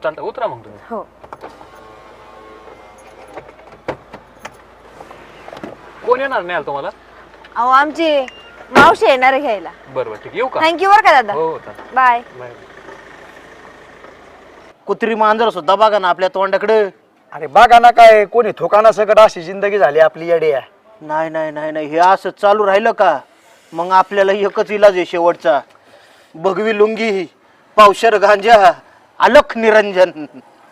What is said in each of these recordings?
चालतं उतरा मग तुम्ही. हो. कोण येणार नाही तुम्हाला? अहो आमची मावशी येणार आहे घ्यायला. बरोबर ठीक येऊ का? थँक्यू बरं का दादा. हो चालेल. बाय. कुत्री मांजर सुद्धा बघा ना आपल्या तोंडाकडे. अरे बघा ना काय कोणी थोकाना सकट अशी जिंदगी झाली आपली येडे. नाही नाही नाही नाही हे असं चालू राहिलं का मग आपल्याला एकच इलाज आहे शेवटचा. भगवी लुंगी, पावशर गांजा, अलख निरंजन.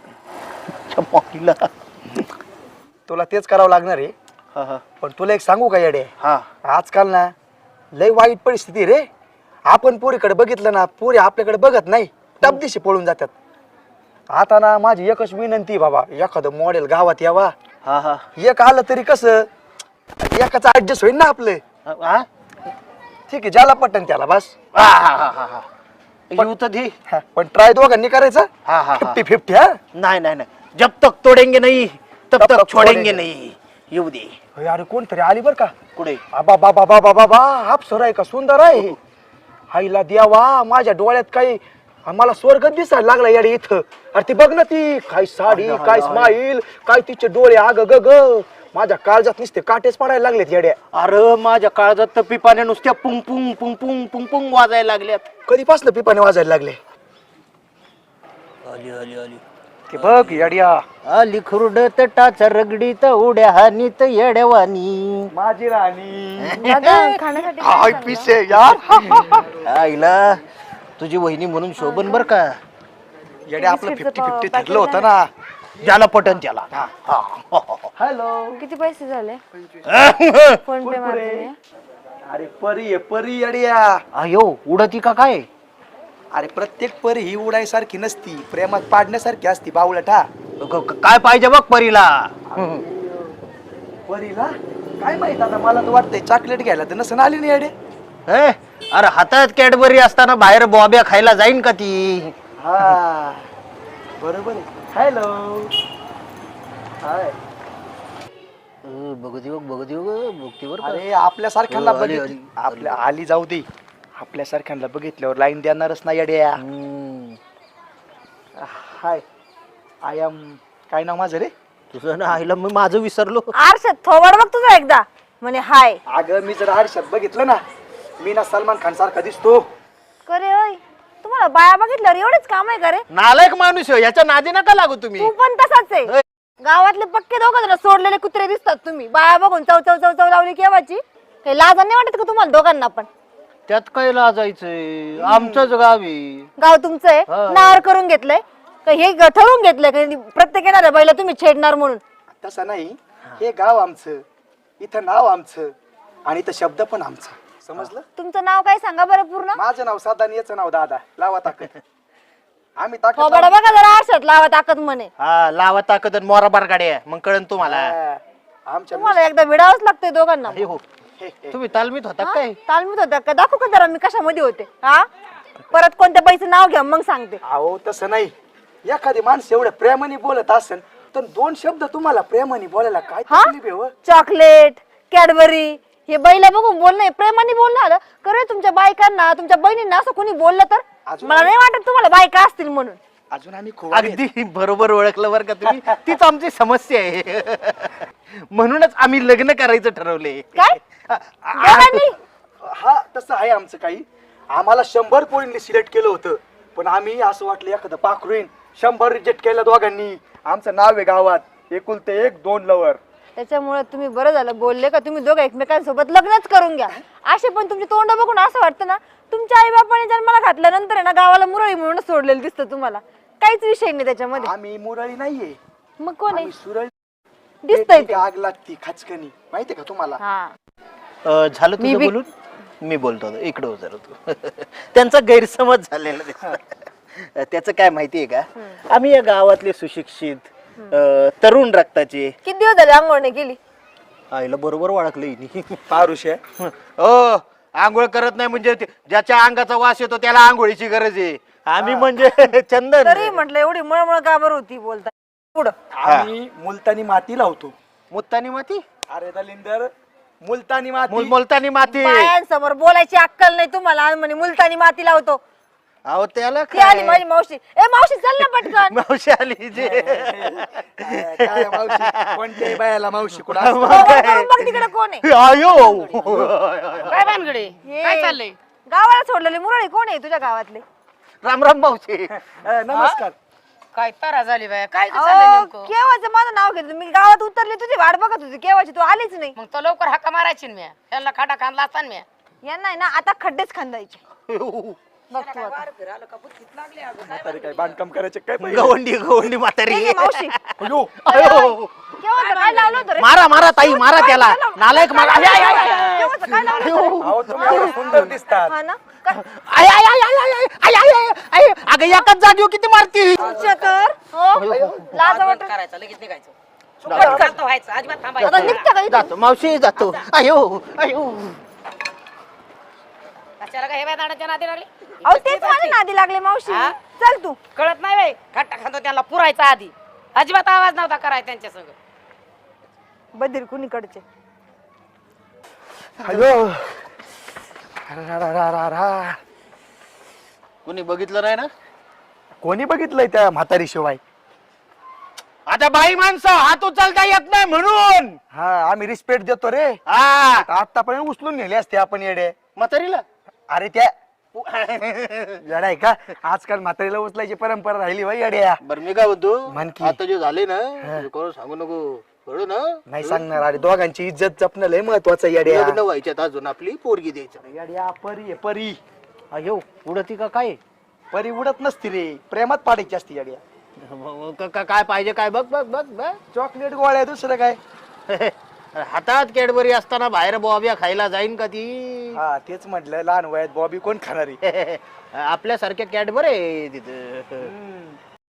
तुला तेच करावं लागणार आहे. हा हा पण तुला एक सांगू का येडे, हा आजकाल ना लय वाईट परिस्थिती रे. आपण पोरीकडे बघितलं ना, पोरी आपल्याकडे बघत नाही, टपदिशी पळून जातात. आता ना माझी एकच विनंती बाबा, एखादं मॉडेल गावात यावा. हा हा एक आलं तरी कसं एकाच ऍडजस्ट होईल ना आपलं. हा ठीक आहे, ज्याला पटन त्याला बस. हा हा हा हा येऊ तर दे. पण ट्राय दोघांनी करायचं. हा हा 50-50. हा नाही नाही नाही जब तक तोडेंगे नहीं तब तक छोडेंगे नहीं. येऊ दे. अरे कोणतरी आली बर का. कुठे? बाबा बाबा बाबा बाबा अप्सरा आहे का, सुंदर आहे. आईला द्यावा, माझ्या डोळ्यात काही आम्हाला स्वर्ग दिसायला लागला येडे इथं. अरे ती बघ ना, ती काय साडी, काय स्माईल, काय तिचे डोळे, आग ग ग. माझ्या काळजात नुसते काटेच पडायला लागलेत येड्या. अरे माझ्या काळजात तर पिपाने नुसत्या पुंग पुंग पुंग पुंग पुंग पुंग वाजायला लागल्यात. कधीपासून पिपाने वाजायला लागले. आली आली आली ते बघ येड्या. आली खुरडत टाच रगडीत उड्या हानीत येड्यावानी. माझी राणी. दादा खाण्यासाठी हाय काय चाललं? पिसे यार. आईला तुझी वहिनी म्हणून शोभन बर का. येड्या आपलं बिस्किटचं 50-50 पाकीट ठरलं होतं ना. ज्याला पटन त्याला. हॅलो. किती पैसे झाले? फोन पे मारते मी. अरे परी आहे परी येड्या. अयो उडती का काय? अरे प्रत्येक परी ही उडायसारखी नसती, प्रेमात पाडण्यासारखी असती बावळट. हा काय पाहिजे बघ परीला. परीला काय माहित, आता मला तर वाटतंय चॉकलेट घ्यायला तर नसन आली नाही येडे. हे? अरे हातात कॅडबरी असताना बाहेर बॉब्या खायला जाईन का ती? हा बरोबर आहे. हॅलो. हाय. बघू दे बघू दे बघते बर. अरे आपल्यासारख्यांना आली, बघितलं, आली. आपल्या आली जाऊ दे. आपल्यासारख्यांना बघितल्यावर लाईन देणारच ना येड्या. हाय, आय एम, काय नाव माझं रे? तुझं ना आईला मी माझं विसरलो. आरशात थोबड बघ तुझा एकदा, म्हणे हाय. अगं मी जर आरशात बघितलं ना, मी ना सलमान खान सारखा दिसतो. करे होय, तुम्हाला बाया बघितल्यावर एवढेच काम आहे का रे? नालायक माणूस आहे, याच्या नादी नका लागू तुम्ही. तू पण तसाच आहे. गावातले पक्के दोघं जण सोडलेले कुत्रे दिसतात तुम्ही. बाया बघून चव चव चव चव लावली केव्हाची. काही लाज नाही वाटत का तुम्हाला दोघांना पण? त्यात काय लाजायचंय, आमचंच गाव आहे. गाव तुमचं आहे, नार करून घेतलंय का? हे ठरवून घेतलंय का प्रत्येक येणाऱ्या बाईला तुम्ही छेडणार म्हणून? तसं नाही, हे गाव आमचं, इथं नाव आमचं आणि इथं शब्द पण आमचं. समजलं? तुमचं नाव काय सांगा बरं पूर्ण? माझं नाव साधा आणि याचं नाव दादा. लावा ताकद. आम्ही ताकद थोबड बघा जरा आरशात लावा ताकद म्हणे. हा लावा ताकद आणि मोरा बार गाड्या मग कळन तुम्हाला. आमच्या तुम्हाला एकदा विडावंच लागतंय दोघांना. हे हो तुम्ही तालमीत होता काय? तालमीत होत्या का? दाखवू का जरा मी कशामध्ये होते? हा परत कोणत्या बाईचं नाव घ्या मग सांगते. अहो तसं नाही, एखादी माणसं एवढं प्रेमाने बोलत असेल तर दोन शब्द तुम्हाला प्रेमाने बोलायला काय हा? तकलीफ आहे हो? चॉकलेट, कॅडबरी हे बैला बघून बोलणं, प्रेमाने बोलणं आलं. करे तुमच्या बायकांना, तुमच्या बहिणींना असं कोणी बोललं तर मला नाही वाटत तुम्हाला बायका असतील म्हणून. अजून आम्ही अगदी बरोबर ओळखलं बरं का तुम्ही. तीच आमची समस्या आहे. म्हणूनच आम्ही लग्न करायचं ठरवले. काय दोघांनी? हा तसं आहे आमचं. काही आम्हाला 100 पोरींनी सिलेक्ट केलं होतं, पण आम्ही असं वाटलं एखादं पाखरूइन 100 रिजेक्ट केलं दोघांनी. आमचं नाव आहे गावात एकुलते एक 2 लवर. त्याच्यामुळे तुम्ही बरं झालं बोलले का तुम्ही दोघं एकमेकांसोबत लग्नच करून घ्या. असे पण तुमचे तोंड बघून असं वाटतं ना तुमच्या आई बापाने जन्माला घातल्यानंतर आहे ना गावाला मुरळी म्हणून सोडलेलं दिसतं तुम्हाला. काहीच विषय नाही त्याच्यामध्ये. आम्ही मुरळी नाहीये, मग कोण आहे? आम्ही सुरळी. दिसतंय ते. आग लागती खचकनी, माहितीये का तुम्हाला? हा झालं तुझं बोलून? मी बोलतो इकडे हो जरा तू. त्यांचा गैरसमज झालेला दिसतो. त्याचं काय माहितीये का, आम्ही या गावातले सुशिक्षित तरुण रक्ताचे. किती दिवस झाले आंघोळ नाही केली? आईला बरोबर ओळखलं. पारुष आहे. हो आंघोळ करत नाही म्हणजे ज्याच्या अंगाचा वास येतो त्याला आंघोळीची गरज आहे. आम्ही म्हणजे चंदन. तरी म्हटलं एवढी मळमळ का बरं होती बोलता पुढं? आम्ही मुलतानी माती लावतो. मुत्तानी माती? अरे दलिंदर, मुलतानी माती. मुलतानी माती. बायांसमोर बोलायची अक्कल नाही तुम्हाला आणि म्हणे मुलतानी माती लावतो. अहो त्याला ती आली काय माझी मावशी. ए मावशी चल ना पटकन. मावशी आली जे काय मावशी कोणत्याही बायाला मावशी कुठं हो, हो, बघ तिकडे कोण आहे. आयो काय भानगडे ये. काय चाललंय गावाला सोडलेले मुरळी कोण आहे तुझ्या गावातले? राम राम मावशी नमस्कार. काय तारा झाली बाय काय गं चाललंय अहो, नेमकं केव्हाचं माझं नाव घेतो मी गावात उतरले तुझी वाट बघत होती केव्हाची तू आलीच नाही. मग तो लवकर हाका मारायची ना म्या त्यांना खाटा खांदला असता ना म्या यांना आहे ना आता खड्डेच खांदायचे. बघ तू आता. म्हातारी काय बांधकाम करायचे काय पहिले? गवंडी म्हातारी नाही, नाही, मावशी अयो, अयो केव्हाचं काय लावलं होतं रे? मारा मारा ताई मारा त्याला नालायक मारा केव्हाचं काय लावलं होतं रे? अहो तुम्ही एवढं सुंदर दिसतात. हा ना काय? आय आय आय आय आय आय आय आय आय अगं एकाच जागेवर किती मारती तुझ्या तर हो लाज वाटत. करायचं लगेच निघायचं शांत व्हायचं अजिबात आता थांबायचं निघता का इथून? जातो मावशी जातो अयो अयो कशाला काय हे बाय दाण्याच्या नादी लागली अहो तेच माझ्या नादी लागले मावशी. हा? चल तू. कळत नाही बाई खाटा खांदो त्यांना पुरायचा आधी अजिबात आवाज नव्हता करायचा त्यांच्या संग बधीर कुणीकडचे. अयो रा. कोणी बघितलं नाही ना कोणी बघितलंय त्या म्हातारी शिवाय? आता बाई माणसं हात उचलता येत नाही म्हणून हा आम्ही रिस्पेक्ट देतो रे. हा आतापर्यंत उचलून नेले असते आपण येडे. म्हातारीला अरे त्या येडा आहे का? आजकाल म्हातारीला उचलायची परंपरा राहिली बाई येड्या. बरं मी काय म्हणतो म्हण की. आता जे झाले ना ते कोण सांगू नको कळू ना नाही सांगणार. अरे दोघांची इज्जत जपणं लय महत्वाचं येड्या. लग्न व्हायच्यात अजून आपली पोरगी द्यायचं येड्या परी आहे परी. अयो उडती का काय परी उडत नसती रे प्रेमात पाडायची असती येड्या. काय पाहिजे काय बघ बघ बघ बघ चॉकलेट गोळ्या दुसरं काय? हातात कॅडबरी असताना बाहेर बॉबिया खायला जाईन का ती हा तेच म्हटलं लहान वयात बॉबी कोण खाणारी? आपल्यासारख्या कॅडबरी आहे तिथं